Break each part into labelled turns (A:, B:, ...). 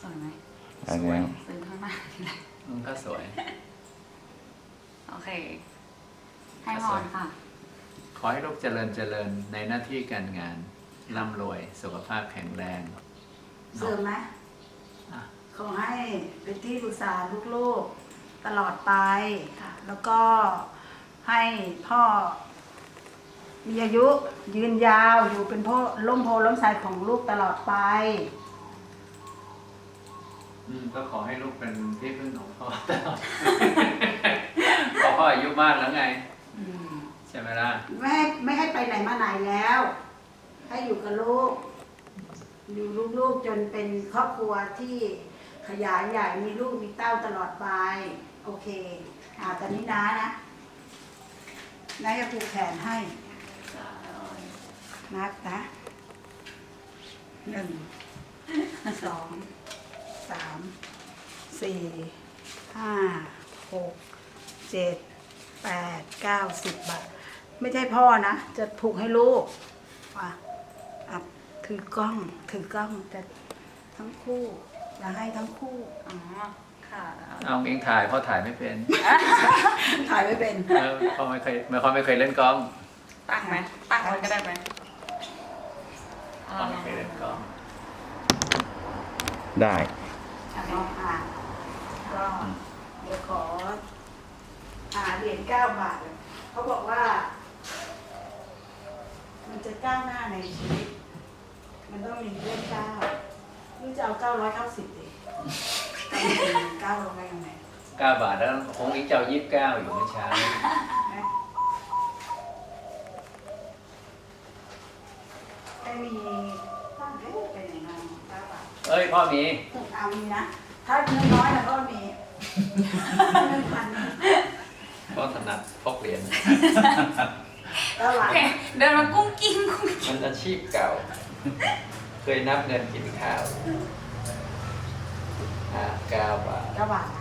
A: วยไหม
B: สวย
A: ซื้อข้างหน้าทีไร
C: มันก็สวย
A: โอเค ให้พรค่ะ
C: ขอให้ลูกเจริญในหน้าที่การงานร่ำรวยสุขภาพแข็งแรง
D: เสริมไหม
C: อ่ะ
D: ขอให้เป็นที่ปรึกษาลูกๆตลอดไป
A: ค่ะ
D: แล้วก็ให้พ่อมีอายุยืนยาวอยู่เป็นพ่อล่มโพล่มไทรของลูกตลอดไป
C: ก็ขอให้ลูกเป็นที่พึ่งของพ่อตลอด เพราะพ่ออายุมากแล้วไงใช่ไหมล่ะ
D: ไม่ให้ไปไหนมาไหนแล้ว ให้อยู่กับลูก อยู่ลูกๆจนเป็นครอบครัวที่ขยายใหญ่มีลูกมีเต้าตลอดไป โอเคตอนนี้น้านะจะผูกแขนให้นับนะ1 2 3 4 5 6 7 8 9 10 บาทไม่ใช่พ่อนะจะผูกให้ลูกถือกล้องจะทั้งคู่จะให้ทั้งคู่
A: อ๋อ ค่ะ
C: เอาเองถ่ายพ่อถ่ายไม่เป็น
D: ถ่ายไม่เป็น
C: พ่อไม่เคยเล่นกล้อง
A: ตั้งไหมตั้งไว้ก็ได้ไหม
C: พ่อไม่เคยเล่นกล้อง
B: ได้
D: ก็เดี๋ยวขอเหรียญ9 บาทเขาบอกว่า มันจะก้าวหน้าในชีวิต มันต้องมีเลข9นี่จะเอา990ดิ9ลงไปยังไง
C: 9 บาทแล้วคงอีกเจ้า29อยู่ไม่ช้า
D: ไม่มีตั้งเป็นยังไง9 บาท
C: เอ้ยพ่อมี
D: เอามีนะ ถ้าน้อยๆแล้วก็มีเงินพัน
C: พ่อถนัดพกเหรียญ
D: 9 บาท
A: เดินมากุ้งกิ้ง
C: มันอาชีพเก่า เคยนับเงินกินข้าว9 บาท
D: 9 บาทนะ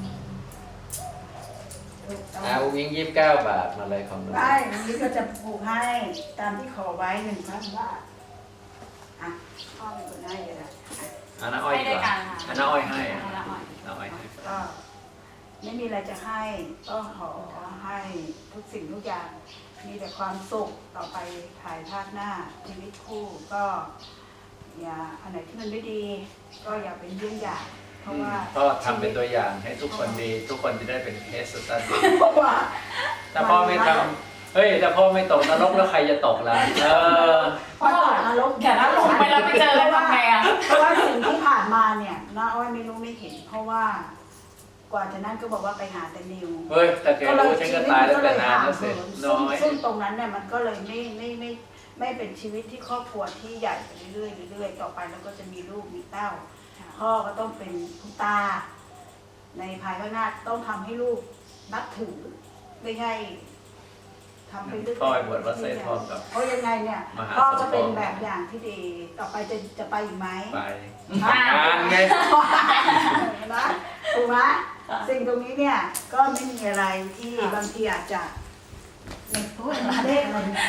C: วิ่ง29 บาทมาเลยของหนู
D: ได้วันนี้ก็จะปลูกให้ตามที่ขอไว้1,000 บาทพ่อเป็นคนให้เลยนะ
C: อันน้าอ้อย
A: ให้
C: ดี
A: ด้วย
C: กว่า
A: กันค่ะ
C: อันน้าอ้อยให้
A: ให้ละอ้อย
C: น้าอ้อยให้
D: ก็ไม่มีอะไรจะให้ก็ขอให้ทุกสิ่งทุกอย่างมีแต่ความสุขต่อไปภายภาคหน้าชีวิตคู่ก็อย่าอันไหนที่มันไม่ดี ก็อย่าเป็นเยี่ยงอย่างเพราะว่า
C: พ่อทำเป็นตัวอย่างให้ทุกคนดี ทุกคนจะได้เป็นเคสสตัดดี้
D: เพราะว่า
C: ถ้าพ่อไม่ทำเฮ้ยถ้าพ่อไม่ตกนรกแล้วใครจะตกล่ะ
D: พ่อตกนรก
A: เดี๋ยวถ้าหลงไปแล้วไปเจอแล้วทำไงอ่ะ
D: เพราะว่าสิ่งที่ผ่านมาเนี่ยน้าอ้อยไม่รู้ไม่เห็น เพราะว่ากว่าจะนั่นก็บอกว่าไปหาแต่นิว
C: เฮ้ยแต่แกรู้ฉันก็ตายแล้วแต่นานแล้วเสร็จน้อย
D: ซึ่งตรงนั้นเนี่ยมันก็เลยไม่เป็นชีวิตที่ครอบครัวที่ใหญ่ไปเรื่อยๆต่อไปแล้วก็จะมีลูกมีเต้า พ่อก็ต้องเป็นคุณตา ในภายภาคหน้าต้องทำให้ลูกนับถือไม่ใช่ทำไปเรื่อย
C: พ่อไปบวชวัดไซทองกับ
D: เพราะยังไงเนี่ย
C: มหา
D: พ่อ
C: สมปอง
D: ก็เป็นแบบอย่างที่ดีต่อไปจะไปอีกไหม
C: ไปทำงานไง
D: นะถูกไหมสิ่งตรงนี้เนี่ยก็ไม่มีอะไรที่บางทีอาจจะไม่พูดมาเลขอะไรนะ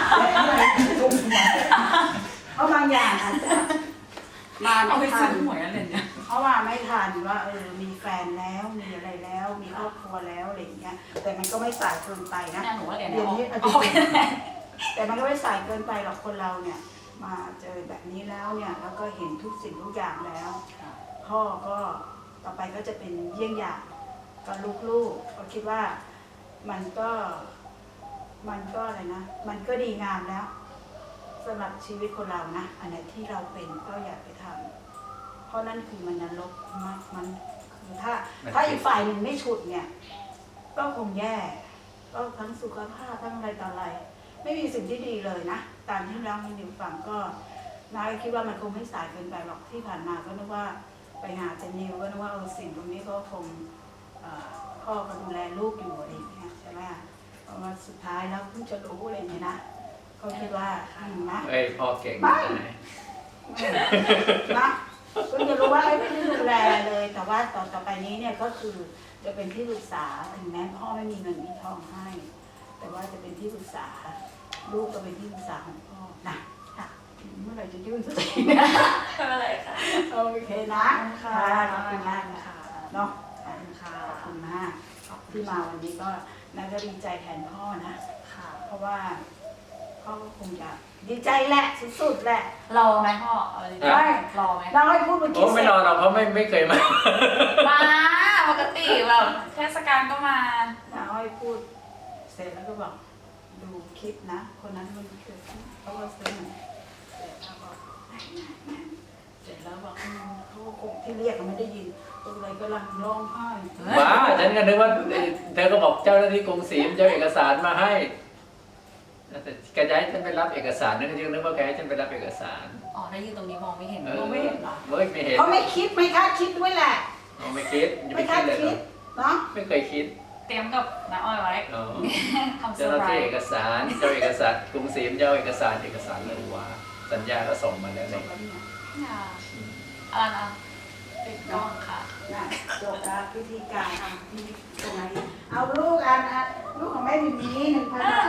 D: เพราะบางอย่างอาจจะมา
A: เอา
D: ไม่
A: ไป
D: ทั
A: ซื้อน หวยอะไรเนี่ย
D: เพราะว่าไม่ทันว่ามีแฟนแล้วมีอะไรแล้ว มีครอบครัวแล้วอะไรอย่างเงี้ยแต่มันก็ไม่สายเกินไปนะ
A: แม่หนูว่าเหรียญ
D: เดี๋ยวนี้
A: ออก
D: แต่มันก็ไม่สายเกินไปหรอกคนเราเนี่ย มาเจอแบบนี้แล้วเนี่ยแล้วก็เห็นทุกสิ่งทุกอย่างแล้ว พ่อก็ต่อไปก็จะเป็นเยี่ยงอย่างกับลูกๆก็คิดว่ามันก็อะไรนะมันก็ดีงามแล้วสำหรับชีวิตคนเรานะอันไหนที่เราเป็นก็อย่าไปทำเพราะนั่นคือมันนรกมากมันคือถ้าอีกฝ่ายหนึ่งไม่ฉุดเนี่ย ก็คงแย่ก็ทั้งสุขภาพทั้งอะไรต่ออะไร ไม่มีสิ่งที่ดีเลยนะตามที่เราให้นิวฟังก็น้าคิดว่ามันคงไม่สายเกินไปหรอกที่ผ่านมาก็นึกว่าไปหาเจนิวก็นึกว่าสิ่งตรงนี้ก็คงพ่อก็ดูแลลูกอยู่อะไรอย่างเงี้ยใช่ไหมเพราะว่าสุดท้ายแล้วเพิ่งจะรู้อะไรอย่างเงี้ยนะก็คิดว่านะ
C: เฮ้ยพ่อเก่ง
D: ไม่
C: นะ
D: นะเพิ่งจะรู้ว่าไม่ได้ดูแลเลย แต่ว่าต่อไปนี้เนี่ยก็คือจะเป็นที่ปรึกษาถึงแม้พ่อไม่มีเงินมีทองให้ แต่ว่าจะเป็นที่ปรึกษาลูกก็เป็นที่ปรึกษาของพ่อนะค่ะเมื่อไหร่จะยื่นสักทีนะ
A: อะไรค่ะ
D: โอเคโอเคนะขอบคุณมากค่ะเนาะขอบคุณมากที่มาวันนี้ก็น่าจะดีใจแทนพ่อนะเพราะว่าพ่อก็คงจะดีใจแหละสุดๆแหละ
A: รอไหมพ่ออะไรดี
D: ได้
A: รอไหม
D: เราให้พูดเมื่อ
C: โอ้
D: กี้
C: ไม่รอหรอกเขาไม่เคยมา
A: มาปกติแบบเทศกาลก็มา
D: เราให้พูดเสร็จแล้วก็บอกดูคลิปนะคนนั้นมันเกิดเขาก็ซื้อเหมือนเสร็จแล้วบอกเสร็จแล้วบอกเขาคงที่เรียกก็ไม่ได้ยินตัวอะไรก็ลังร้องไห้
C: ว้าฉันก็นึกว่าเธอก็บอกเจ้าหน้าที่กรุงศรีจะเอาเอกสารมาให้แต่แกจะให้ฉันไปรับเอกสารนึกว่าแกให้ฉันไปรับเอกสาร
A: อ๋อได้ยินตรงนี้มองไม่เห็น
C: ไม่เห็นไม่เห็น
D: เขาไม่คิดไม่คาดคิดด้วยแหละ
C: ไม่คิดจะ
D: ไม่
C: ไม่
D: คา
C: คิ
D: ด
C: ดเลย
D: คิดเนาะ
C: ไม่เคยคิด
A: เตรียมกับน้าอ้อยไว้
C: อ๋อ
A: ทำเซอ
C: เจ้าห
A: ร์
C: น้า
A: ไพร
C: ที่
A: ส์
C: เอกสารเจ้าเอกสารกรุงศรีเจ้าเอกสารเลยว่าสัญญาก็ส่งมาแล้วเลย
A: ค่ะอะไรนะปิดกล้องค่ะ
D: น่ะจบแล้วพิธีการที่ตรงไหนเอาลูกลูกของแม่มี1,000 บาท